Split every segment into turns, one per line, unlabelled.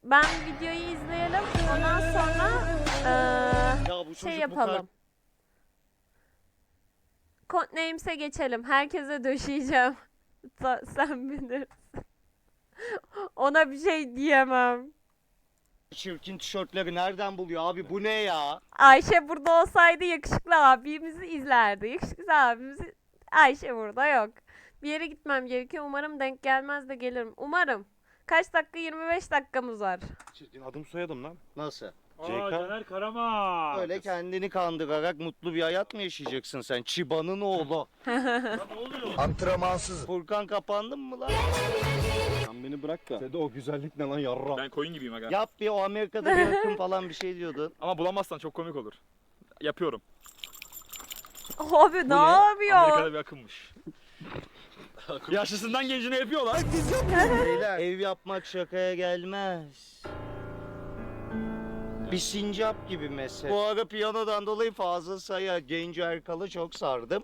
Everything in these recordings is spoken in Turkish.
Ben videoyu izleyelim. Ondan sonra
Ya bu
şey
çocuk
yapalım. Codenames'e geçelim. Herkese döşeyeceğim. Sen bilirsin. Ona bir şey diyemem.
çirkin tişörtleri nereden buluyor abi, bu ne ya?
Ayşe burada olsaydı yakışıklı abimizi izlerdi. Yakışıklı abimizi... Ayşe burada yok. Bir yere gitmem gerekiyor. Umarım denk gelmez de gelirim. Umarım. Kaç dakika? 25 dakikamız var.
Çirkin adım soyadım lan.
Nasıl?
CK.
Caner Karaman.
Öyle kendini kandırarak mutlu bir hayat mı yaşayacaksın sen? Çiba'nın oğlu.
Ne oluyor?
Antrenmansız.
Furkan kapandın mı lan?
Sen beni bırak da. Dede o güzellik ne lan yarra.
Ben koyun gibiyim aga.
Yap bir, o Amerika'da bir akım falan bir şey diyordun.
Ama bulamazsan çok komik olur. Yapıyorum.
Abi ne
ne?
yapıyor?
Amerika'da bir akımmış. Yaşlısından gencine yapıyorlar.
Beyler, ev yapmak şakaya gelmez. Bir sincap gibi mesela. Bu ara piyanodan dolayı Fazıl Say'a, Genco Erkal'ı çok sardım.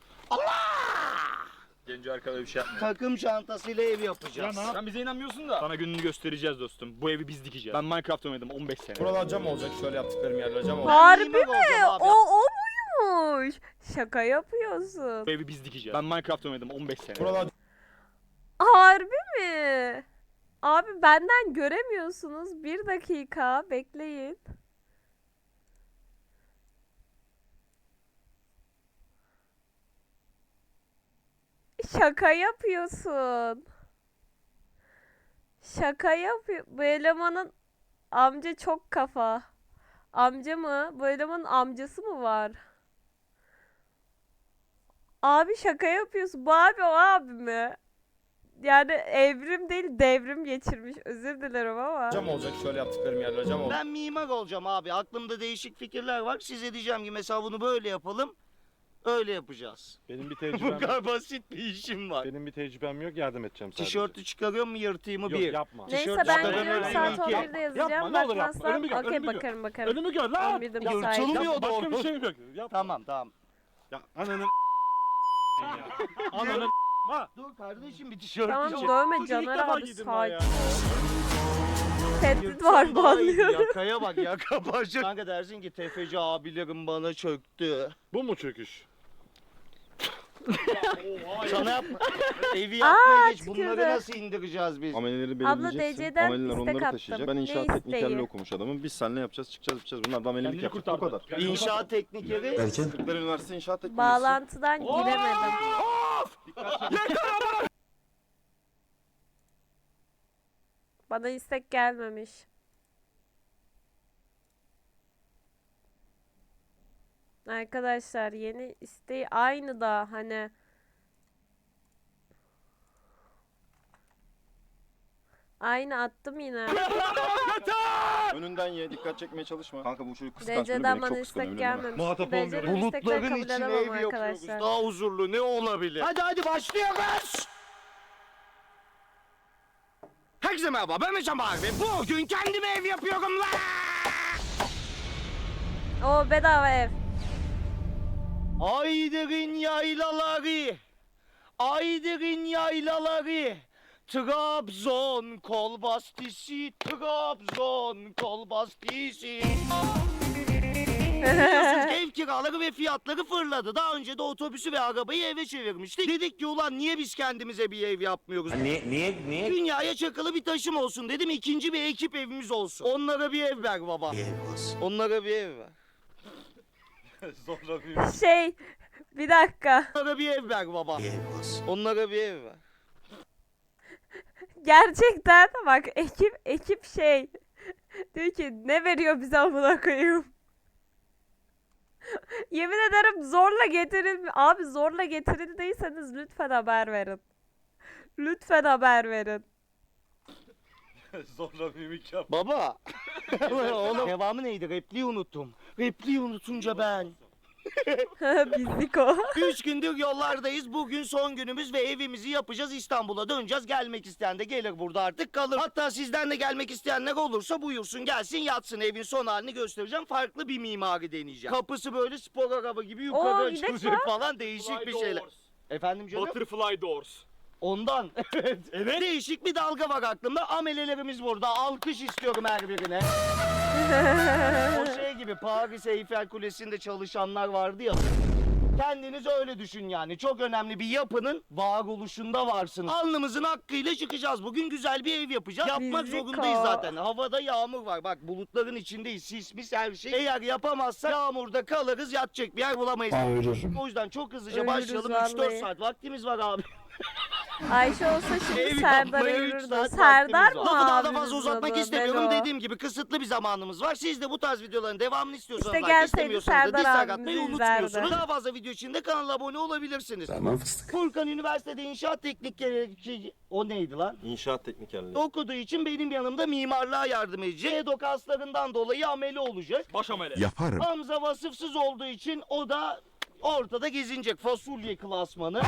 Genco arkada bir şey yapmıyor.
Takım çantasıyla ev yapacağız.
Sen bize inanmıyorsun da. Sana gününü göstereceğiz dostum. Bu evi biz dikeceğiz. Ben Minecraft oynadım 15 sene.
Buralar cam olacak, şöyle yaptıklarım yerler cam olacak.
Harbi
mimar
mi?
olacağım abi.
O buymuş. Şaka yapıyorsun.
Bu evi biz dikeceğiz. Ben Minecraft oynadım 15 sene.
Buralar
Harbi mi? Abi benden göremiyorsunuz. Bir dakika bekleyin. Şaka yapıyorsun. Şaka yapıyor. Bu elemanın amca çok kafa. Amca mı? Bu elemanın amcası mı var? Abi şaka yapıyorsun. Bu abi o abi mi? Yani evrim değil devrim geçirmiş. Özür dilerim ama.
cam olacak, şöyle yaptıklarım yerler cam olacak.
Ben mimar olacağım abi. Aklımda değişik fikirler var. Size diyeceğim ki mesela bunu böyle yapalım. Öyle yapacağız.
Benim bir
Bu
tecrübem yok.
kadar basit bir işim var.
Benim bir tecrübem yok, yardım edeceğim sadece.
Tişörtü çıkarıyor mu, yırtayım mı?
Yok
Bir.
yapma.
Neyse
Tişört
ben
çıkarın,
yarım
önüme
saat
iki.
11'de yazacağım.
Yapma, ne olur yapma.
Bakmazsan
Önümü gör,
okey
önümü gör.
bakarım bakarım.
Önümü gör lan!
11'de
Ya,
müsait.
yırtılmıyor
Yapma, başka
doğru.
bir şey yok. Yapma.
Tamam.
Ya ananın ananın ha.
Dur kardeşim, bir tişört
Tamam
için.
dövme
Çocuğu ilk
Caner
defa
abi
giydim ben ya.
sakin. Tehdit
Yırtsam
var
daha iyiydi.
banlıyorum.
Yakaya bak, yaka başa. Kanka dersin ki tefeci abilerim bana çöktü.
Bu mu çöküş?
Sana yapma. Evi yapmaya geç.
tükürdü.
Bunları nasıl indireceğiz biz?
Amelileri
Abla
belirleyeceksin.
DC'den
Ameliler
istek
onları
attım.
taşıyacak. Ben
Ne
inşaat
isteği?
teknikerliği okumuş adamım. Biz seninle yapacağız, çıkacağız. Bunlar da amelilik
Kendini
yapacak. Bu
kurtardı.
kadar.
İnşaat teknikeri.
Kırklar Üniversitesi İnşaat Teknikeri.
Bağlantıdan giremedim. Bana istek gelmemiş. Arkadaşlar yeni isteği aynı da hani aynı attım yine.
Önünden ye, dikkat çekmeye çalışma. Kanka bu çocuk kıskanç.
DC'den
Beni
bana
çok
istek
kıskanıyor biliyor musun?
gelmemiş.
Muhatap
DC'den
olmuyorum.
istekleri
Bulutların
kabul
içine
edemem
ev yapıyoruz.
arkadaşlar.
Daha huzurlu ne olabilir? Hadi başlıyoruz. Herkese merhaba, ben Mecan Bahar ve bugün kendime ev yapıyorum lan.
O bedava ev.
Aydır'ın yaylaları, Aydır'ın yaylaları, Trabzon kol bastisi, Trabzon kol bastisi. Biliyorsunuz ev kiraları ve fiyatları fırladı. Daha önce de otobüsü ve arabayı eve çevirmiştik. Dedik ki ulan niye biz kendimize bir ev yapmıyoruz? Niye? Dünyaya çakılı bir taşım olsun dedim. İkinci bir ekip evimiz olsun. Onlara bir ev ver baba. Onlara bir ev ver. Sonra bir
Şey bir dakika.
Onlara bir ev ver baba. Onlara bir ev ver.
Gerçekten bak ekip şey diyor ki ne veriyor bize amına koyayım. Yemin ederim zorla getirildi. Abi zorla getirildiyseniz lütfen haber verin. Lütfen haber verin.
Zorla mimik yap.
Baba. Oğlum. Devamı neydi? Repliği unuttum. Repliği unutunca ben.
Bizlik o.
3 gündür yollardayız. Bugün son günümüz ve evimizi yapacağız. İstanbul'a döneceğiz. Gelmek isteyen de gelir burada artık kalır. Hatta sizden de gelmek isteyenler olursa buyursun gelsin yatsın. Evin son halini göstereceğim. Farklı bir mimari deneyeceğim. Kapısı böyle spor araba gibi yukarı
Oo,
açılacak
gidelim
falan değişik bir şeyler. Efendim canım?
Butterfly doors.
Ondan. Evet. Evet. Değişik bir dalga var aklımda. Amelelerimiz burada. Alkış istiyorum her birine. O şey gibi Paris Eyfel Kulesi'nde çalışanlar vardı ya. Kendiniz öyle düşün yani. Çok önemli bir yapının varoluşunda varsınız. Alnımızın hakkıyla çıkacağız. Bugün güzel bir ev yapacağız. Yapmak
Riziko.
zorundayız zaten. Havada yağmur var. Bak bulutların içindeyiz. Sismis her şey. Eğer yapamazsak yağmurda kalırız. Yatacak bir yer bulamayız. O yüzden çok hızlıca
Ölürüz
başlayalım.
vallahi.
3-4 saat vaktimiz var abi.
Ayşe olsa
Ev
şimdi Serdar'a
yapmaya 3
yürürdü.
saat
Serdar
vaktimiz
mı
var. Lafı daha da
abimiz
fazla uzatmak
adı?
istemiyorum.
Belo.
Dediğim gibi kısıtlı bir zamanımız var. Siz de bu tarz videoların devamını istiyorsanız
İşte
like,
gelseydi
istemiyorsanız da
Serdar
dislike
abimizi
atmayı
izlerdi.
unutmuyorsunuz. Daha fazla video için de kanala abone olabilirsiniz. Tamam fıstık. Furkan üniversitede inşaat teknikleri o neydi lan?
İnşaat teknikerliği.
Okuduğu için benim yanımda mimarlığa yardım edecek. EDO kaslarından dolayı ameli olacak.
Baş amele.
Yaparım.
Hamza vasıfsız olduğu için o da ortada gezinecek. Fasulye klasmanı.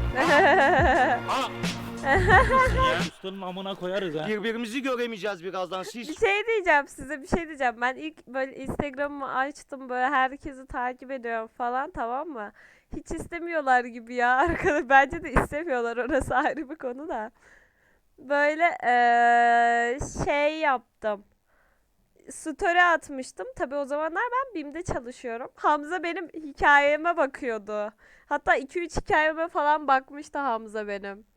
Ustanın amına koyarız ha.
Birbirimizi göremeyeceğiz birazdan.
Bir
Siz
şey diyeceğim size, bir şey diyeceğim. Ben ilk böyle Instagram'ımı açtım, böyle herkesi takip ediyorum falan, tamam mı? Hiç istemiyorlar gibi ya arkadaş. Bence de istemiyorlar, orası ayrı bir konu da. Böyle şey yaptım. Story atmıştım. Tabii o zamanlar ben BİM'de çalışıyorum. Hamza benim hikayeme bakıyordu. Hatta 2-3 hikayeme falan bakmıştı Hamza benim.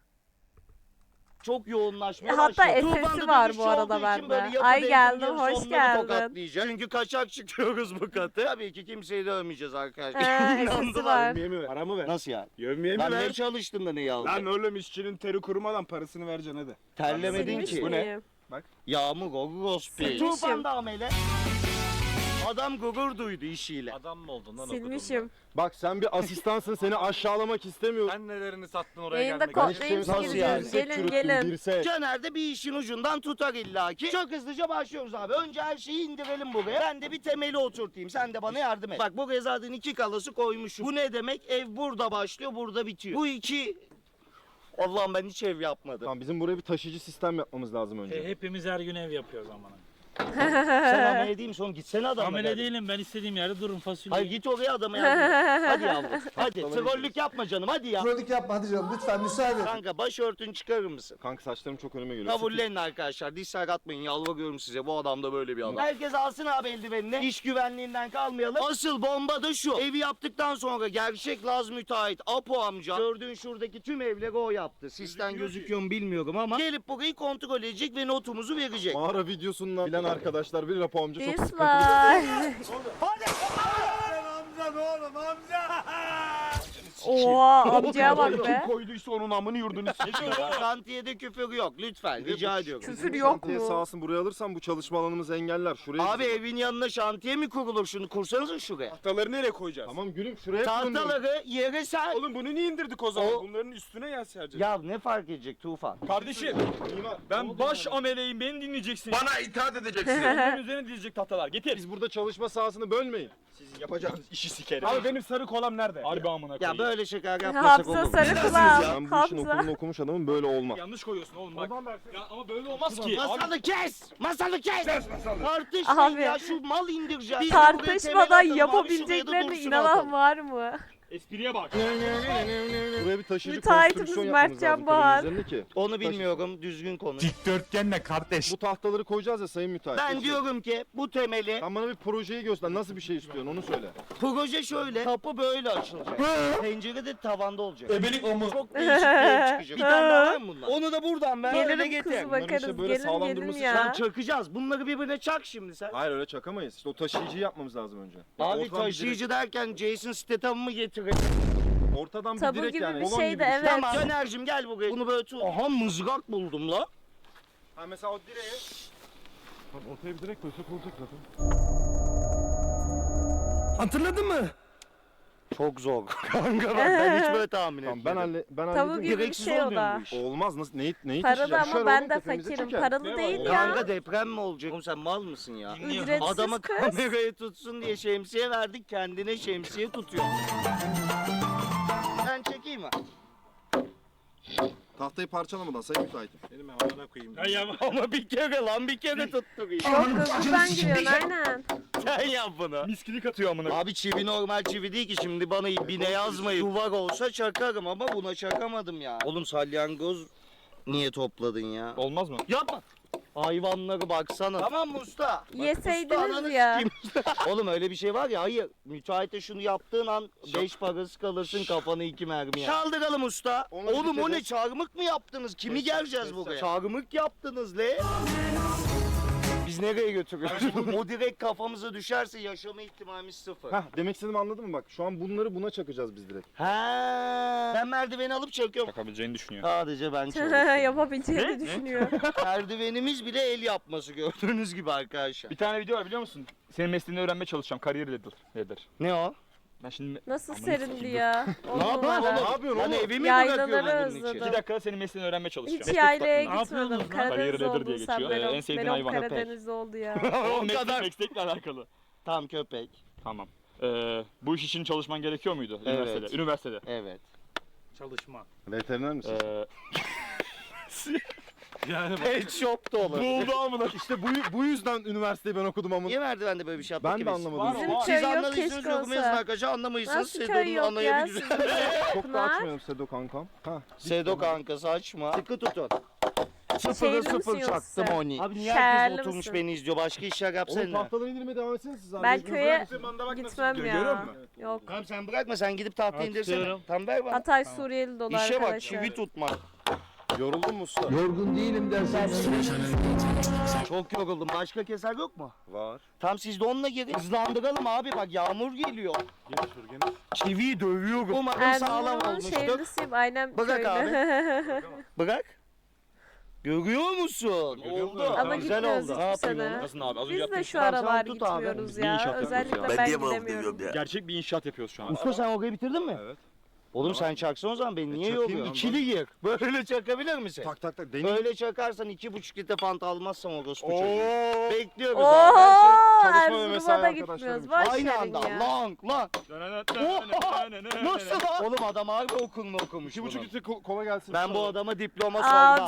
çok yoğunlaşmaya
Hatta
başladı.
SS'i
Tuğban'da
var
dönüş
bu arada
olduğu için
bende.
böyle yapı
Ay
denklemlerin
geldim, hoş
sonları
geldin.
tokatlayacağız. Çünkü kaçak çıkıyoruz bu katı. Tabii ki kimseyi dövmeyeceğiz arkadaşlar.
SS'i
İnandılar.
var.
mi ver? Para mı ver?
Nasıl yani?
Yövmeye mi
Ben ne
ver?
çalıştım da neyi aldım?
Lan oğlum işçinin teri kurumadan parasını vereceksin hadi.
Terlemedin
Silmiş
ki.
Bu ne?
miyim?
Yağmur Gogospi.
Silmişim.
Tufan da amele. Adam gurur duydu işiyle.
Adam mı oldun lan
Silmişim.
Bak sen bir asistansın, seni aşağılamak istemiyorum.
Sen nelerini sattın oraya
Yayında
gelmek
Ben
için?
işte
kodlayıp
Nasıl yani?
gireceğiz. Gelin gelin.
Dirse.
Caner de bir işin ucundan tutar illaki. Çok hızlıca başlıyoruz abi. Önce her şeyi indirelim buraya. Ben de bir temeli oturtayım. Sen de bana yardım et. Bak buraya zaten 2 kalası koymuşum. Bu ne demek? Ev burada başlıyor, burada bitiyor. Bu iki... Allah'ım ben hiç ev yapmadım.
Tamam, bizim buraya bir taşıyıcı sistem yapmamız lazım önce.
Hepimiz her gün ev yapıyoruz amına.
Sen amele değil misin? Gitsene adamla.
Amele
kardeşim.
değilim, ben istediğim yerde dururum, fasulye.
Hayır git oraya adama yardım et. Hadi yavrum. Hadi trollük yapma canım hadi ya.
Kronik yapma hadi canım lütfen müsaade et.
Kanka başörtünü çıkarır mısın?
Kanka saçlarım çok önüme geliyor.
Kabullenin arkadaşlar. Dislike atmayın. Yalvarıyorum size. Bu adam da böyle bir adam. Herkes alsın abi eldivenini. İş güvenliğinden kalmayalım. Asıl bomba da şu. Evi yaptıktan sonra gerçek Laz müteahhit Apo amca. Gördüğün şuradaki tüm evleri o yaptı. Sistem gözüküyor mu bilmiyorum ama. Gelip burayı kontrol edecek ve notumuzu verecek.
Mağara videosundan bilen arkadaşlar bilir, Apo amca çok sıkıntılı.
Dislike. Oha amcaya bak be.
Kim koyduysa onun amını yurdunu sikiyor.
Şantiyede küfür yok lütfen. Rica ediyorum.
Küfür yok
Şantiye
mu?
sahasını buraya alırsam bu çalışma alanımızı engeller. Şuraya
Abi
gidin.
evin yanına şantiye mi kurulur? Şunu kursanız şuraya.
Tahtaları nereye koyacağız?
Tamam gülüm, şuraya kurun diyorum.
Tahtaları yere ser.
Oğlum bunu niye indirdik o zaman?
O-
Bunların üstüne yer sereceğiz.
Ya ne fark edecek Tufan?
Kardeşim
Mimar, ne
ben
oldu
baş
bana?
ameleyim, beni dinleyeceksin.
Bana itaat edeceksin.
Onların üzerine dizecek tahtalar. Getir.
Biz burada çalışma sahasını bölmeyin.
Sizin yapacağınız işi sikerim. Abi benim sarı kolam nerede? Harbi amına
Ya
koyayım.
böyle şeker yapmasak olur
Hafsa
mu?
sarı kulağım.
Ben bu işin
Hafsa.
okulunu okumuş adamım, böyle olmaz.
Yanlış koyuyorsun oğlum bak. Ya ama böyle olmaz ki. Abi,
Masalı kes! Masalı kes! Tartışmayın
Abi.
ya şu mal indireceğiz. Biz de buraya temel
Tartışmadan
atalım abi, şuraya da
yapabileceklerine
dursun
inanan
atalım.
var mı?
espriye bak.
Buraya bir taşıyıcı
Müteahhitimiz
konstrüksiyon yapmamız
Mertcan
lazım
Bahar.
kalemin üzerinde ki.
Onu bilmiyorum düzgün konuş.
Dikdörtgenle kardeş.
Bu tahtaları koyacağız ya sayın müteahhit.
Ben
Peki.
diyorum ki bu temeli
Sen bana bir projeyi göster. Nasıl bir şey istiyorsun onu söyle.
proje şöyle kapı böyle açılacak. Pencere de tavanda olacak. Ebelik o mu? Çok değişik bir ev çıkacak. Bir tane daha var mı bunlar? Onu da buradan ben böyle
Gelirim
getir.
kuzu bakarız.
işte böyle
Gelin
sağlam
gelin
durması
Sen
ya.
çakacağız. Bunları birbirine çak şimdi sen.
Hayır öyle çakamayız. İşte o taşıyıcıyı yapmamız lazım önce.
Abi
Ortadan bir
taşıyıcı derken Jason Statham'ı mı getirin?
direkt- Ortadan bir
Tabu
direkt
gibi
yani.
bir
kolon
şey
gibi
de,
bir
evet.
Tamam Caner'cim gel buraya. Bunu böyle tut. Aha mızrak buldum la.
Ha mesela o direğe. Bak ortaya bir direkt koysak olacak zaten.
Hatırladın mı? Çok zor. Kanka ben hiç böyle tahmin
Tamam
etmedim.
ben
Tabu
halledeyim.
gibi bir
Gereksiz
şey o
olmuyor mu
da.
bu iş?
Olmaz nasıl neyi
Paralı
taşıyacak? Düşer
ama ben
oğlum,
de
tepemize
fakirim.
çeker.
Paralı değil ya.
Kanka deprem mi olacak? Oğlum sen mal mısın ya?
Ücretsiz
Adama
kız.
kamerayı tutsun diye şemsiye verdik kendine şemsiye tutuyor. Ben çekeyim mi?
Tahtaları tahtayı parçalamadan sayın müteahhitim.
Benim amına koyayım.
Ya ya
Ama bir kere lan bir kere tuttuk.
Yok hızlıdan giriyorsun aynen.
Sen yap bunu.
miskilik atıyor amına.
Abi çivi normal çivi değil ki, şimdi bana bine yazmayın. Duvar olsa çakarım ama buna çakamadım ya. Oğlum salyangoz niye topladın ya?
Olmaz mı?
Yapma. Hayvanlara baksana. Tamam mı usta?
Yeseydiniz
ananı
ya.
sikeyim. Oğlum öyle bir şey var ya, hayır. Müteahhite şunu yaptığın an 5 parası kalırsın, kafanı 2 mermi ya. Çaldıralım usta.
Onu
Oğlum o
bitirelim.
ne, çarmık mı yaptınız? Kimi geleceğiz buraya? Çarmık yaptınız le. Biz nereye götürüyoruz? O direkt kafamıza düşerse yaşama ihtimalimiz sıfır.
Heh, demek istediğimi anladın mı bak? Şu an bunları buna çakacağız biz direkt.
Ha. Ben merdiveni alıp çekiyorum.
Çakabileceğini düşünüyor.
Sadece ben çalışıyorum.
Yapabileceğini düşünüyor.
Merdivenimiz bile el yapması, gördüğünüz gibi arkadaşlar.
Bir tane video var biliyor musun? Senin mesleğini öğrenmeye çalışacağım. Kariyer ladder.
Ne o?
Ben şimdi
Nasıl
Amına
serindi
sikeyim.
ya? On
Ne yapıyorsun
numara.
oğlum?
Ne yapıyorsun
Lan
oğlum?
evimi
Yaylaları
bırakıyorum bunun için.
özledim.
2 dakikada senin mesleğini öğrenmeye çalışacağım.
Hiç yaylaya
Ne
gitmedim.
yapıyordunuz lan?
Karadeniz
Kariyer ladder
oldun
diye
sen.
geçiyor. En
Benim,
sevdiğin
benim
hayvan köpek.
Karadeniz oldu ya.
O
O kadar.
meslekle alakalı.
Tamam, köpek.
Tamam. Bu iş için çalışman gerekiyor muydu?
Evet.
Üniversitede. Üniversitede.
Evet.
Çalışma.
Veteriner misin?
Yani
Pet shop da olur.
Buldu amına.
İşte bu yüzden üniversiteyi ben okudum ama.
Niye merdivende böyle bir şey yaptık
Ben
ki
de
biz?
anlamadım.
Bizim
Siz
köy yok,
anladıysanız
keşke
yorumlayın
olsa.
arkadaşlar, anlamayırsanız
Nasıl köy
Sedo'nun
yok ya
anlayabilirsiniz.
sizin?
Çok da
Pınar.
açmıyorum Sedo kankam. Ha.
Sedo kankası açma. Sıkı tutun.
Şehirli
Sıfırı
misin
sıfır
yoksa?
çaktım oni. Abi niye
Şehirli
herkes oturmuş
misin?
beni izliyor? Başka işler
Oğlum
yapsana.
tahtaları indirmeye devam etsene siz.
Ben köye
Bak
gitmem
Görüyor
ya.
musun?
Yok.
Tamam sen bırakma, sen gidip tahtayı indirsene.
Atıyorum.
Tam ver bana.
Hatay Suriyeli dolu
İşe bak,
arkadaşlar.
çivi tutmak.
Yoruldun mu usta?
Yorgun değilim dersen.
Çok yoruldum. Başka keser yok mu?
Var.
Tam siz de onunla girin. Hızlandıralım abi, bak yağmur geliyor. Çiviyi dövüyorum. Umarım sağlam
Erzurum'un
olmuştur.
şehirlisiyim. Aynen
Bırak
köylü.
Bırak. Görüyor musun?
Görüyor
Oldu.
musun?
Ama
Güzel
gitmiyoruz
oldu.
hiçbir sene.
Nasıl abi? Az önce
Biz
yaptığın
de
şey.
şu
Tamam, sen
aralar
tut abi.
gitmiyoruz
Bir inşaat
ya.
yapıyoruz
Özellikle
ya.
ben gidemiyorum.
Gerçek bir inşaat yapıyoruz şu an.
Usta sen orayı bitirdin mi?
Evet.
Oğlum sen çaksana o zaman, beni niye
çakayım
yoruyorsun?
ben.
İkili gir. Böyle çakabilir misin?
Tak tak tak deneyim.
Böyle çakarsan 2,5 litre fanta almazsam o gospu çocuğu. Bekliyoruz
Ooo
abi.
çalışma ve mesai
Erzurum'a da
arkadaşlarım
gitmiyoruz.
için.
Boş
Aynı
verin
anda
ya.
long. Nasıl lan? Oğlum adam harbi okulunu okumuş
2,5
bunun.
litre kola gelsin.
Ben bu adama diploma sormam.
Abi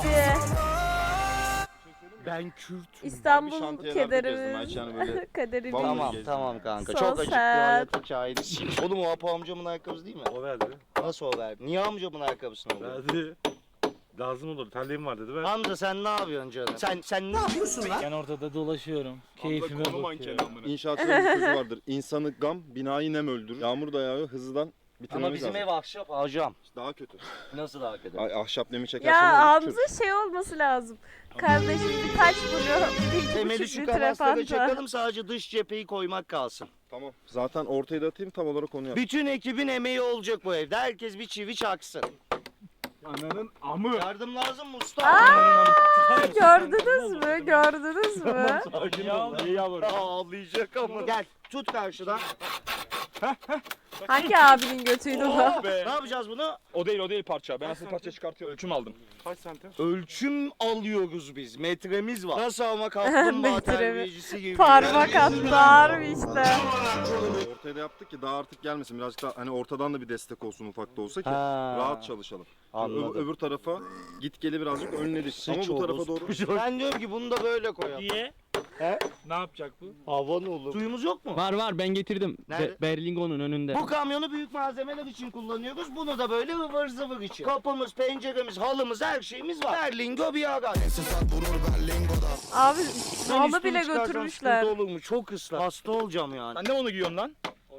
Ben Kürt.
İstanbul
şantiyelerde gezdim
kederimiz.
Ayça hani böyle.
Kaderimiz.
Vallahi
Tamam
gezdim.
tamam kanka.
So
Çok açık bir
sad.
hayat hikayesi. Oğlum o Apo amcamın ayakkabısı değil mi?
O verdi.
Nasıl o verdi? Niye amcamın ayakkabısını aldı?
Verdi. Lazım olur. Terliğim var dedi. Ver.
Amca sen ne yapıyorsun canım? Sen ne yapıyorsun lan?
Ben ortada dolaşıyorum. Keyfime
Konu mankeni
bakıyorum.
amına.
İnşaatçıların bir sözü vardır. İnsanı gam, binayı nem öldürür. Yağmur da yağıyor, hızlıdan
Ama
bitirmemiz
bizim
lazım.
ev ahşap hocam.
Daha kötü.
Nasıl daha kötü?
Ay, ahşap nemi çekersen
Ya
olur, çürür.
Hamza şey olması lazım. Kardeşim bir taş buluyor.
Temeli
1,5
şu
litre
kanaslara
fanta.
çakalım, sadece dış cepheyi koymak kalsın.
Tamam. Zaten ortaya da atayım tam olarak onu yap.
Bütün ekibin emeği olacak bu evde. Herkes bir çivi çaksın.
Ananın amı.
Yardım lazım mı usta?
Gördünüz mü? Gördünüz mü?
Sakin ol. İyi yavrum.
Ağlayacak ama. Gel tut karşıdan.
Hangi abinin götüydü bu?
Oh be.
Ne yapacağız bunu?
O değil parça. Ben asıl parça çıkartıyorum. Ölçüm aldım.
Kaç santim?
Ölçüm alıyoruz biz. Metremiz var. Nasıl ama kaplumbağa
Metre mi?
terbiyecisi gibi.
Parmak attı harbi işte.
Ortaya da yaptık ki daha artık gelmesin. Birazcık daha hani ortadan da bir destek olsun ufak da olsa ki
Ha.
rahat çalışalım.
Anladım.
Öbür tarafa git geli birazcık önledik. Ama bu tarafa doğru.
Ben diyorum ki bunu da böyle koyalım.
Niye?
He?
Ne yapacak bu?
Havan olur. Suyumuz yok mu?
Var ben getirdim.
Nerede?
Berlingo'nun önünde.
Bu kamyonu büyük malzemeler için kullanıyoruz. Bunu da böyle ıvır zıvır için. Kapımız, penceremiz, halımız, her şeyimiz var. Berlingo bir ara.
Abi
Ben
halı
üstümü
bile
çıkarsam
götürmüşler.
sıkıntı olur mu? Çok ıslak. Hasta olacağım yani.
Sen ne onu giyiyorsun lan?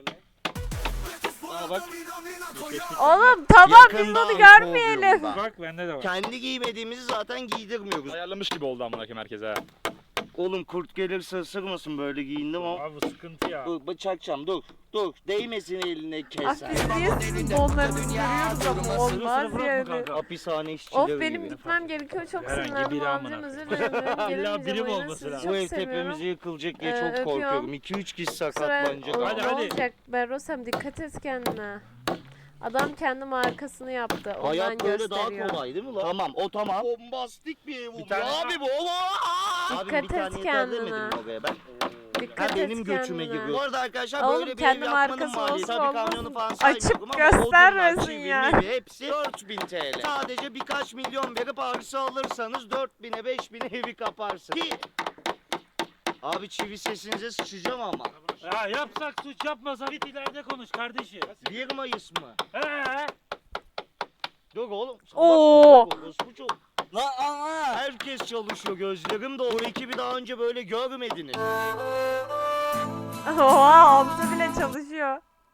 Aa bak.
Oğlum tamam biz
Yakında
onu
iPhone
görmeyelim.
oluyorum ben.
Bak bende de var.
Kendi giymediğimizi zaten giydirmiyoruz.
Ayarlamış gibi oldu amına koyayım herkese ha.
Oğlum kurt gelirse ısırmasın, böyle giyindim ama.
Abi sıkıntı ya.
Dur bıçakacağım, dur. Dur, değmesin eline
Ah
keser.
biz niye sizin donlarınızı görüyoruz ama olmaz yani.
Hapishane işçileri
Of benim
gibi.
gitmem gerekiyor, çok
Herhangi
sinirlendim
biri
amcam,
amına
özür dilerim.
İlla biri
Gelemeyeceğim
mi
oyuna,
olması
sizi
lazım?
Bu
çok
ev
seviyorum.
tepemize yıkılacak diye çok
Öpüyorum.
korkuyorum. 2-3 kişi
Kusura-
sakatlanacak.
O-
Hadi,
ne
hadi.
olacak Berosem, dikkat et kendine. Adam kendi markasını yaptı. Ondan
Hayat böyle
gösteriyor.
daha kolay değil mi lan? Tamam, o tamam. Bombastik bir ev oluyor
tane-
abi bu. Abi
Dikkat
bir tane
et
yeter
kendine.
demedim mi oraya ben?
Dikkat
benim
et
götüme
kendine.
giriyor. Bu arada arkadaşlar
Oğlum,
böyle bir
kendi
ev yapmanın
markası
maliyeti.
olsun
Tabii
olmasın.
kamyonu falan
Açık
saymıyorum ama
göstermesin
odunlar, çivi,
ya.
mivi hepsi 4000 TL. Sadece birkaç milyon verip arsa alırsanız 4000'e 5000'e evi kaparsın. Ki abi çivi sesinize sıçacağım ama.
Ya yapsak suç yapmasak git ileride konuş kardeşim.
1 Mayıs mı?
He.
Yok oğlum.
Oo.
Bu çok. Herkes çalışıyor, gözlerim de o ekibi daha önce böyle görmediniz.
Oha, Hamza bile çalışıyor.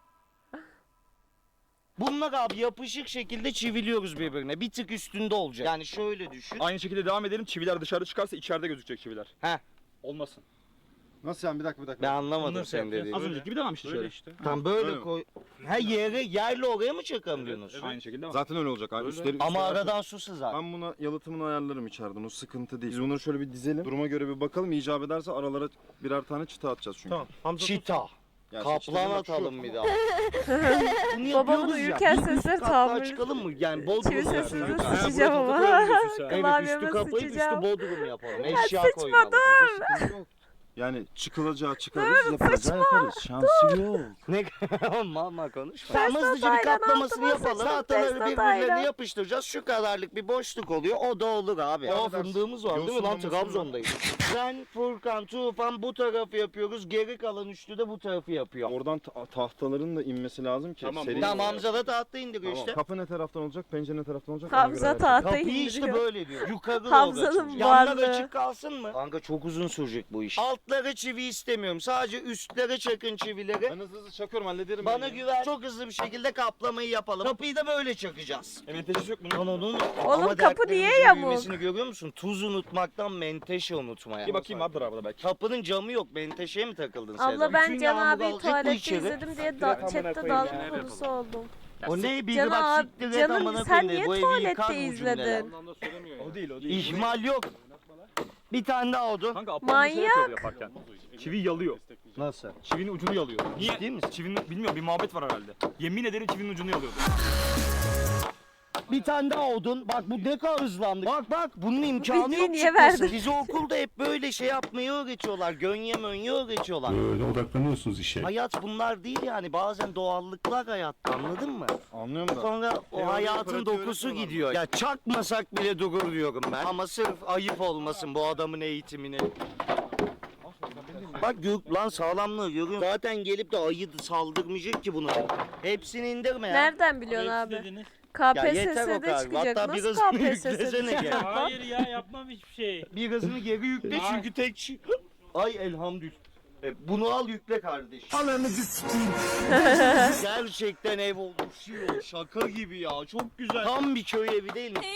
Bunlar abi yapışık şekilde çiviliyoruz birbirine. Bir tık üstünde olacak. Yani şöyle düşün.
Aynı şekilde devam edelim. Çiviler dışarı çıkarsa içeride gözükecek çiviler.
Heh.
Olmasın.
Nasıl yani bir dakika.
Ben anlamadım
Nasıl
senin
yapacağız?
dediğini.
Az önceki gibi devam işte şöyle.
işte.
Tam böyle
Öyle mi?
koy. Ha yerle oraya mı çakalım diyorsunuz?
Aynı şekilde devam.
Zaten öyle olacak abi. Üstleri,
Ama
üstleri-
aradan su sızar.
Ben buna yalıtımını ayarlarım içeriden. O sıkıntı değil. Biz bunları şöyle bir dizelim. Duruma göre bir bakalım. İcap ederse aralara birer tane çıta atacağız çünkü.
Tamam. Hamza
Çita.
Yani işte
Kaplan
bak şu-
atalım bir daha. Bunu
Babamın
yapıyoruz
uyurken
ya. Bir üst
sesleri
katlığa
tahammül-
çıkalım mı? Yani Bodrum
Çivi
yapalım.
sesinize
Yukarı.
sıçacağım ama.
Evet üstü
Klavyeme
kapayıp üstü
sıçacağım.
Bodrum yapalım.
Ya
Eşya
sıçma,
koyalım.
Sıkıntı yok. Yani çıkılacağı çıkarız, yapılacağı yaparız. Şansı yok.
Ne mama konuşma. Tamam hızlıca bir
Taylan
katlamasını
altıma
yapalım.
sıçtım,
Tahtaları
Tesla
birbirlerine
Taylan.
yapıştıracağız. Şu kadarlık bir boşluk oluyor. O da olur abi. O fındığımız var değil mi lan?
Yosunlaması var.
Trabzon'dayız. Ben, Furkan, Tufan bu tarafı yapıyoruz. Geri kalan üçlü de bu tarafı yapıyor.
Oradan tahtaların da inmesi lazım ki.
Tamam,
seri-
Tamam Hamza da tahta indiriyor
Tamam.
işte.
Kapı ne taraftan olacak, pencere ne taraftan olacak? ona göre
Hamza
hareket
tahtayı
Kapıyı işte
indiriyor.
böyle diyor. Yukarı doğru
Hamza'nın
açılacak. Yanlar
varlığı.
açık kalsın mı? Kanka çok uzun sürecek bu iş. Altlara çivi istemiyorum. Sadece üstlere çakın çivileri.
Ben hızlı çakıyorum hallederim.
Bana
ben ya.
güven. Çok hızlı bir şekilde kaplamayı yapalım. Kapıyı da böyle çakacağız.
Menteşesi yok bunun.
Lan onun
Oğlum kapı
dertlerimizin
niye yamuk?
büyümesini görüyor musun? Tuz unutmaktan menteşe unutmaya.
Bir bakayım vardır arabada belki.
Kapının camı yok. Menteşeye mi takıldın sen?
Abla ben
Bütün
Can
yağmur
abiyi
alacak bu
tuvalette
içeri.
izledim diye
amına
chatte
koyayım
dalga
ya.
konusu oldum.
O ne? Bir
Can
bak
abi,
siktir et
canım
amına
sen
koyayım dedi.
niye
Bu evi yıkar
tuvalette
bu cümleler.
izledin?
Ondan da söylemiyor ya.
O değil o değil.
İhmal yok. Bir tane daha oldu.
Kanka aptal bir şey
Manyak.
yapıyor yaparken. Çivi yalıyor.
Nasıl?
Çivinin ucunu yalıyor. Niye?
Ciddi misin?
Çivinin bilmiyorum bir muhabbet var herhalde. Yemin ederim çivinin ucunu yalıyordu.
Bir tane daha odun. Bak bu ne kadar hızlandı. Bak bunun imkanı
bilgiyi
yok
niye
çıkması.
verdin?
Bizi okulda hep böyle şey yapmayı öğretiyorlar. Gönye mönye öğretiyorlar.
Böyle odaklanıyorsunuz işe.
Hayat bunlar değil yani. Bazen doğallıklar hayatta anladın mı?
Anlıyorum da.
Sonra o
Teori,
hayatın
pratik
dokusu
öğretiyorlar.
gidiyor. Ya çakmasak bile durur diyorum ben. Ama sırf ayıp olmasın bu adamın eğitimini. Bak Gök lan sağlamlığı görüyor musun? Zaten gelip de ayı saldırmayacak ki buna. Hepsini indirme ya.
Nereden biliyorsun
Hepsi
abi?
dediniz.
Ya yeter o
KPSS'de
kadar.
çıkacak.
Hatta
Nasıl
birazını
KPSS'de
yüklesene gel.
çıkacak lan?
Hayır ya yapmam hiçbir şey.
Birazını geri yükle çünkü tek şey... Ay elhamdülillah. Bunu al yükle kardeş. Gerçekten ev oluşuyor. Şaka gibi ya. Çok güzel. Tam bir köy evi değil mi?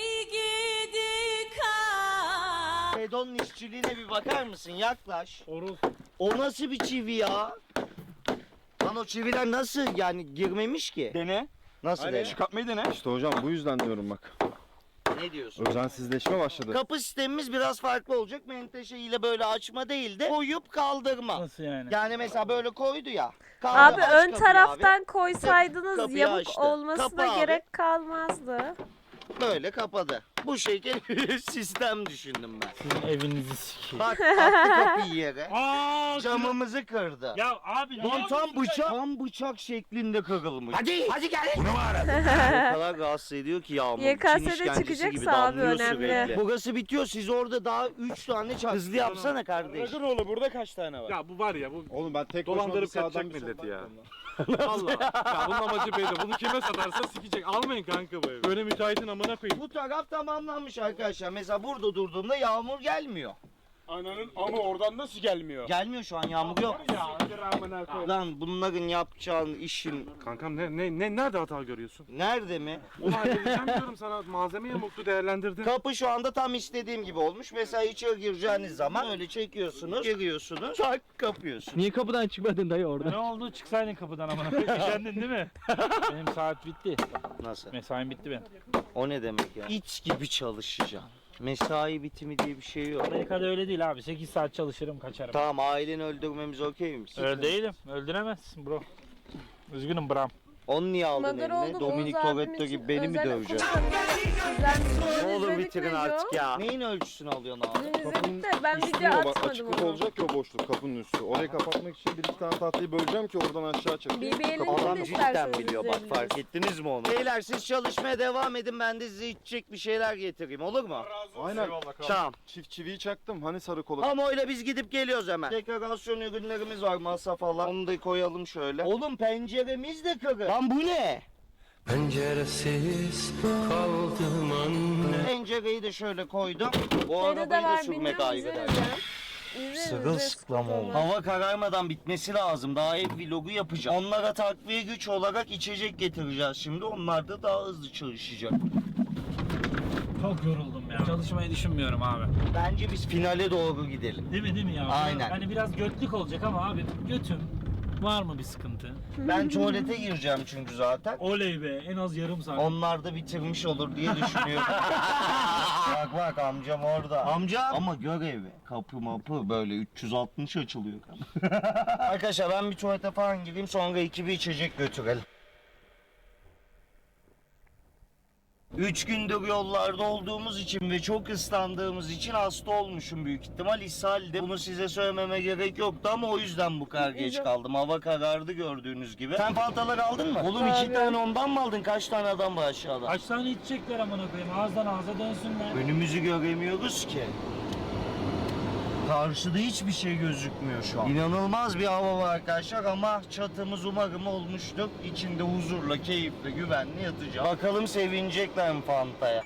Fedon'un işçiliğine bir bakar mısın? Yaklaş.
Orul.
O nasıl bir çivi ya? Lan o çiviler nasıl yani girmemiş ki?
Dene.
Nasıl
Aynen.
dene?
Çıkartmayı dene.
İşte hocam bu yüzden diyorum bak.
Ne diyorsun?
Özensizleşme başladı.
Kapı sistemimiz biraz farklı olacak. Menteşe ile böyle açma değil de koyup kaldırma.
Nasıl yani?
Yani mesela böyle koydu ya.
Abi
aç
ön
kapıyı
taraftan koysaydınız
Kapıyı
yamuk
açtı.
olmasına
Kapı abi.
gerek kalmazdı.
Böyle kapadı. Bu şekil bir sistem düşündüm ben.
Sizin evinizi sikeyim.
Bak attı kapıyı yere.
Aaa
Camımızı kırdı.
Ya abi ne
Lan tam
yapıyorsun
bıçak, tam bıçak şeklinde kırılmış. Hadi gel. O kadar rahatsız ediyor ki yağmur.
YKS'de
Çin işkencesi
çıkacaksa
gibi
abi
damlıyor
önemli.
sürekli. Burası bitiyor. Siz orada daha 3 tane hızlı yapsana kardeş.
Ragıroğlu burada kaç tane var?
Ya bu var ya bu
Oğlum ben tek başıma bir
dolandırıp
sağdan
kaçacak
bir
milleti
soldan
ya.
bakıyorum.
Valla. Ya bunun amacı belli. Bunu kime satarsa sikecek. Almayın kanka bu evi. Böyle müteahhitin amına koyayım.
Bu taraf tamamlanmış arkadaşlar. Mesela burada durduğumda yağmur gelmiyor.
Ananın ama oradan nasıl gelmiyor?
Gelmiyor şu an yağmur yok.
amına koyayım.
Lan bunların yapacağın işin
Kankam nerede hata görüyorsun?
nerede mi?
Onu halledeceğim diyorum sana. Malzeme yamuktu değerlendirdin.
Kapı şu anda tam istediğim gibi olmuş. Mesela içeri gireceğiniz zaman öyle çekiyorsunuz, giriyorsunuz, tak kapıyorsunuz.
Niye kapıdan çıkmadın dayı orada?
Ne oldu? Çıksaydın kapıdan amına koyayım. Üşendin değil mi? Benim saat bitti.
Nasıl?
Mesaim bitti benim.
O ne demek ya? İç gibi çalışacaksın. Mesai bitimi diye bir şey yok.
Amerika'da öyle değil abi. 8 saat çalışırım kaçarım.
Tamam aileni öldürmemiz okey mi?
Öyle değilim. Öldüremezsin bro. Üzgünüm Bram.
Onu niye aldın
Madara
eline?
olduk,
Dominic
Oğuz abim
Toretto
için
gibi beni mi
özel
döveceksin?
okul tanıtımı
Ne olur
izledik
bitirin
Neco.
artık ya. Neyin ölçüsünü alıyorsun abi?
Dün izledik de ben
Üstü
video
o bak,
atmadım
açıklık
onu.
olacak ya o boşluk kapının üstü. Orayı kapatmak için bir iki tane tahtayı böleceğim ki oradan aşağı çekeyim.
BBL'in
Adam
de
cidden
isterseniz
biliyor bak,
izleyebiliriz.
fark ettiniz mi onu? Beyler siz çalışmaya devam edin, ben de size içecek bir şeyler getireyim, olur mu?
Aynen.
Tamam.
Çift çiviyi çaktım hani sarı kola.
Ama öyle biz gidip geliyoruz hemen. Dekorasyon ürünlerimiz var, masa falan. Onu da koyalım şöyle. Oğlum penceremiz de kırık. Lan bu ne?
Penceresiz kaldım anne.
Pencereyi de şöyle koydum. Bu
Şeyde de
arabayı da
var
sürmek
bilmiyorum
ayrı
izleriz
dert.
ya.
Sırılsıklam oldu. Hava kararmadan bitmesi lazım. Daha ev vlogu yapacağım. Onlara takviye güç olarak içecek getireceğiz şimdi. Onlar da daha hızlı çalışacak.
Çok yoruldum ya. Çalışmayı düşünmüyorum abi.
Bence biz finale doğru gidelim.
Değil mi ya?
Aynen.
Hani biraz götlük olacak ama abi götüm. Var mı bir sıkıntı?
Ben tuvalete gireceğim çünkü zaten.
Oley be, en az yarım saat.
Onlar da bitirmiş olur diye düşünüyorum. Bak bak amcam orada. Amca ama görevi. Kapı mapı böyle 360 açılıyor. Arkadaşlar ben bir tuvalete falan gireyim, sonra ekibi içecek götürelim. 3 gündür yollarda olduğumuz için ve çok ıslandığımız için hasta olmuşum büyük ihtimal. İshalde. Bunu size söylememe gerek yoktu ama o yüzden bu kadar geç kaldım. Hava karardı gördüğünüz gibi. Sen fantaları aldın mı? Oğlum 2
Abi.
tane ondan mı aldın? Kaç tane adam var aşağıda?
Kaç tane içecekler amına koyayım? Ağızdan ağza dönsünler.
Önümüzü göremiyoruz ki. Karşıda hiçbir şey gözükmüyor şu an. İnanılmaz bir hava var arkadaşlar ama çatımız umarım olmuştur. İçinde huzurla, keyifle, güvenli yatacağım. Bakalım sevinecekler mi Fanta'ya?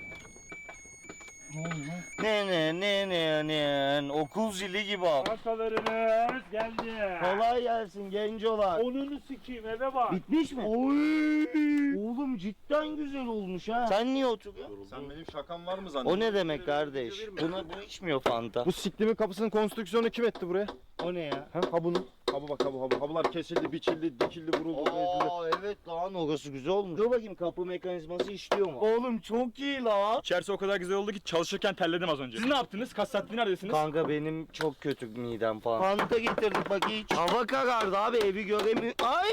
Ne okul zili gibi al.
Arkalarınız geldi.
Kolay gelsin gencolar.
Onunu sikeyim eve bak.
Bitmiş mi? Oy! Oğlum cidden güzel olmuş ha. Sen niye oturuyorsun?
Sen benim şakam var mı zannediyorsun?
O ne demek kardeş? Bu içmiyor Fanta.
Bu siklimin kapısının konstrüksiyonu kim etti buraya?
O ne ya?
Ha bunu. Ha bu bak ha bu. Habular kesildi, biçildi, dikildi, vuruldu, edildi.
Aa evet lan, orası güzel olmuş. Dur bakayım kapı mekanizması işliyor mu? Oğlum çok iyi la.
İçerisi o kadar güzel oldu ki çalışırken terledim az önce. Siz ne yaptınız? Kaç saattir neredesiniz?
Kanka benim çok kötü midem falan. Fanta getirdik bak hiç. Hava karardı abi, evi göremiyor. Ay!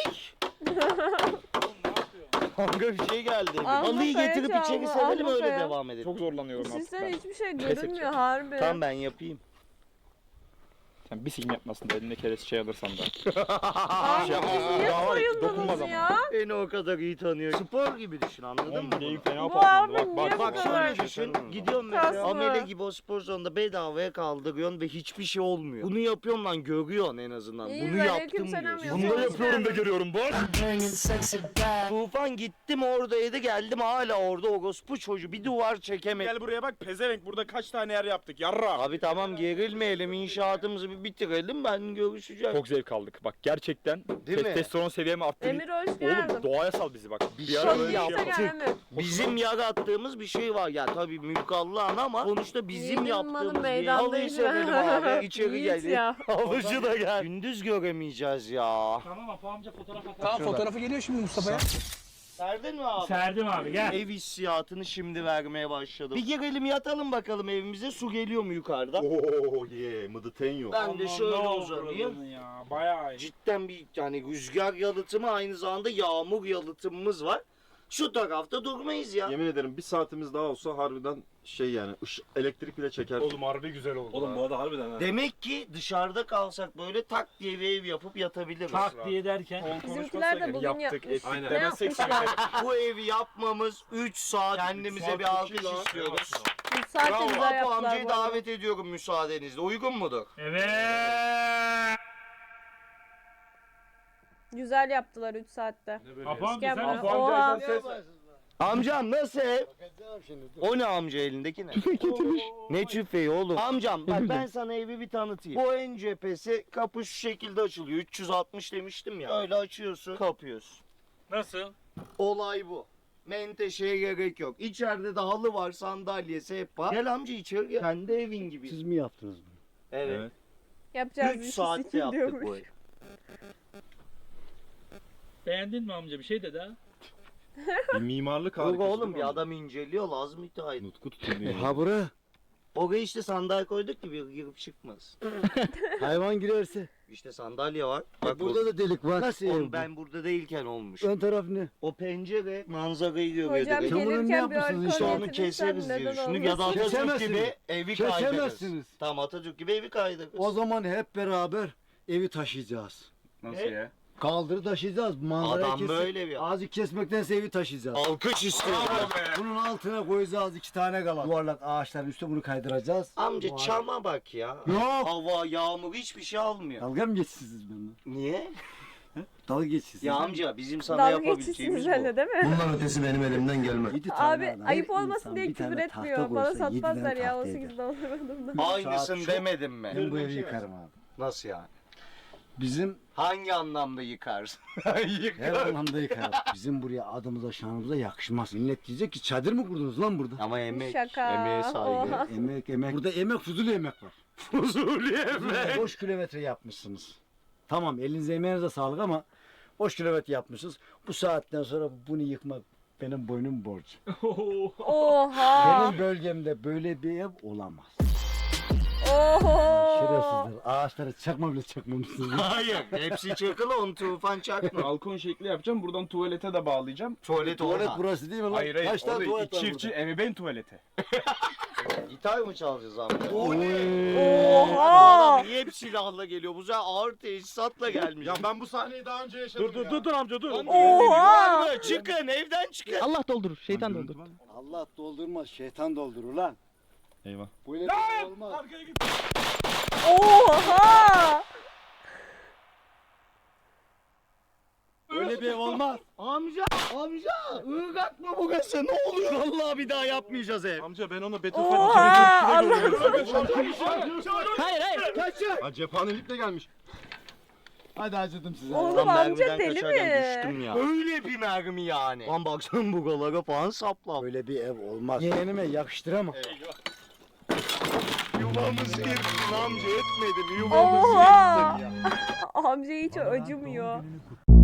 Kanka bir şey geldi.
Alma
Halıyı
kaya
getirip
çalma,
içeri serelim,
alma
öyle
kaya.
devam edelim.
Çok zorlanıyorum artık
Sizden
ben.
hiçbir şey
Pes
görünmüyor
edeceğim.
harbi.
Tamam ben yapayım.
Sen bir sikim yapmasın da eline keresi şey alırsan da.
Abi
Şey,
siz niye
daha var ya, dokunmaz
soyundunuz
ama.
ya?
Beni o kadar iyi tanıyor. Spor gibi düşün, anladın mı?
Oğlum
bunu?
bileğim fena
Bu
patladı.
abi
Bak
niye
bak
bu
Bak
kadar-
şöyle düşün, gidiyorsun mesela
Kaslı.
amele gibi o spor salonunda bedavaya kaldırıyorsun ve hiçbir şey olmuyor. Bunu yapıyorum lan, görüyorsun en azından.
İyi,
Bunu yaptım
aleykümselam
diyorsun.
yapıyorum.
Bunu da yapıyorum da görüyorum bak.
Tufan gittim oradaydı, geldim hala orada orospu çocuğu, bir duvar çekemedim.
Gel buraya bak pezevenk, burada kaç tane yer yaptık yarra.
Abi tamam gerilmeyelim, inşaatımızı bir bitirelim, ben görüşeceğim.
Çok zevk aldık. Bak gerçekten
Değil mi?
testosteron seviyemi arttırdı.
Emir hoş geldin.
Oğlum doğaya sal bizi bak.
Bir
Bir ara
şey
öyle bir şey
yaptık.
yapalım.
Emir.
Bizim yarattığımız bir şey var ya, tabii mülk Allah'ın ama sonuçta bizim
Yiğidin malı
yaptığımız bir
meydanda
halıyı
inme.
serelim abi, içeri
Yiğit
gel.
ya.
Havucu da gel. Gündüz göremeyeceğiz ya.
Tamam Apo amca fotoğraf atar.
Tamam fotoğrafı geliyor şimdi Mustafa'ya.
Serdin mi abi?
Serdim abi gel.
Ev hissiyatını şimdi vermeye başladım. Bir girelim yatalım bakalım evimize, su geliyor mu yukarıdan?
Oo ye, mıdıtenyo.
Ben de şöyle uzanayım.
Ya bayağı iyi.
Cidden bir yani rüzgar yalıtımı, aynı zamanda yağmur yalıtımımız var. Şu tarafta durmayız ya.
Yemin ederim bir saatimiz daha olsa harbiden şey yani elektrik bile çeker.
Oğlum harbi güzel oldu.
Oğlum bu arada harbiden ha.
Demek ki dışarıda kalsak böyle tak diye bir ev yapıp yatabiliriz.
Tak diye derken.
Bizimkiler de bugün
yaptık,
yapmış.
ettik.
Ne
Demezsek
yapmışlar?
Bu evi yapmamız 3 saat. Kendimize
saat
bir
çok
alkış
iyi lan.
istiyoruz.
3 saatte
Bravo.
güzel
Apo
yaptılar
amcayı
bu arada.
davet ediyorum müsaadenizle. Uygun mudur?
Evet.
Güzel yaptılar 3 saatte.
Apo amca
Gel
sen
bana.
Apo
Oha.
Amcam nasıl ev? O ne amca elindeki ne? Ne tüfeği oğlum? Amcam bak ben sana evi bir tanıtayım. Bu ön cephesi, kapı şu şekilde açılıyor. 360 demiştim ya. Öyle açıyorsun, kapıyorsun.
nasıl?
Olay bu. Menteşeye gerek yok. İçeride de halı var, sandalye, sehpa. Gel amca içeri gel. Kendi evin gibi.
Siz mi yaptınız bunu?
Evet.
Yapacağız
3
işi
saatte
sikin
yaptık
diyormuş.
bu evi.
Beğendin mi amca bir şey dedi ha?
Bir mimarlık
Yok
harikası.
oğlum, bir adam inceliyor, lazım müteahhit.
Nutku tutuyor.
Ha bura.
Oraya işte sandalye koyduk ki bir girip çıkmaz.
Hayvan girerse.
İşte sandalye var. Bak
Burada da delik var. Nasıl
Oğlum
ev bu?
ben burada değilken olmuş.
Ön taraf ne?
O pencere manzarayı görüyor.
Hocam
direkt.
Sen bunu ne
gelirken bir
yapmışsınız
alkol
işte?
Onu
getirirsen
keseriz diye
neden
düşündük ya da
olmasın?
Atatürk
Kesemezsiniz.
gibi evi kaydırırız.
Kesemezsiniz.
Tamam Atatürk gibi evi kaydırırız.
O zaman hep beraber evi taşıyacağız.
Nasıl ya?
Kaldırı taşıyacağız. Manzarayı
Adam böyle bir
Ağacı kesmektense evi taşıyacağız.
alkış istiyor.
Bunun altına koyacağız 2 tane kalan. Yuvarlak ağaçların üstüne bunu kaydıracağız.
Amca
Bu
çama bak ya.
Yok.
Hava, yağmur hiçbir şey almıyor.
Dalga mı geçsiniz benimle?
Niye?
Dalga geçsiniz.
Ya amca bizim sana
Dalga
yapabileceğimiz
geçişsiniz
bu.
öyle değil mi?
Bundan ötesi benim elimden gelmez.
Abi ayıp olmasın diye küfür etmiyor. Bana satmazlar ya 18'de olur.
Aynısını
Saat
demedim mi?
Ben bu evi yıkarım abi.
Nasıl yani?
Bizim
Hangi anlamda yıkarsın?
her anlamda yıkarım. Bizim buraya adımıza şanımıza yakışmaz. Millet diyecek ki çadır mı kurdunuz lan burada?
Ama emek,
Şaka.
emeğe saygı.
Oha.
Emek. Burada emek, fuzuli emek var.
Fuzuli emek.
Boş kilometre yapmışsınız. Tamam elinize emeğinize sağlık ama boş kilometre yapmışsınız. Bu saatten sonra bunu yıkmak benim boynum borcu.
Oha.
Benim bölgemde böyle bir ev olamaz.
Oho.
Şerefsizler. Ağaçları çakma bile çakmamışsınız.
Hayır. Hepsi çakılı onu tufan çakma.
Balkon şekli yapacağım. Buradan tuvalete de bağlayacağım.
Tuvalet
Tuvalet
orada.
burası değil mi lan?
Hayır hayır.
Kaç tane
Orada
tuvalet var
çiftçi
burada?
ebeveyn tuvaleti.
Gitar mı çalacağız amca?
Oha.
Adam niye hep silahla geliyor? Bu sefer ağır teçhizatla gelmiş.
Ya ben bu sahneyi daha önce yaşadım ya.
Dur amca dur.
Oha.
Çıkın evden çıkın.
Allah doldurur, şeytan doldurur.
Allah doldurmaz, şeytan doldurur lan.
Eyvah.
Böyle bir şey olmaz.
Oha.
Öyle bir ev olmaz.
Amca ırgat mı bu gazı? Ne oluyor? Vallahi bir daha yapmayacağız ev.
Amca ben ona beton
Oha. Allah.
Hayır hayır.
Kaçın.
Ha cephanelikle gelmiş.
Hadi acıdım size.
Oğlum
Lan
amca
mermiden
deli
kaçarken düştüm
mi?
ya. Öyle bir mermi yani. Lan baksana bu galara falan sapla.
Böyle bir ev olmaz. Yeğenime yakıştıramam.
Yuvamızı yırttın amca etmedim. Yuvamızı
Oha.
yırttın ya.
Amca hiç acımıyor.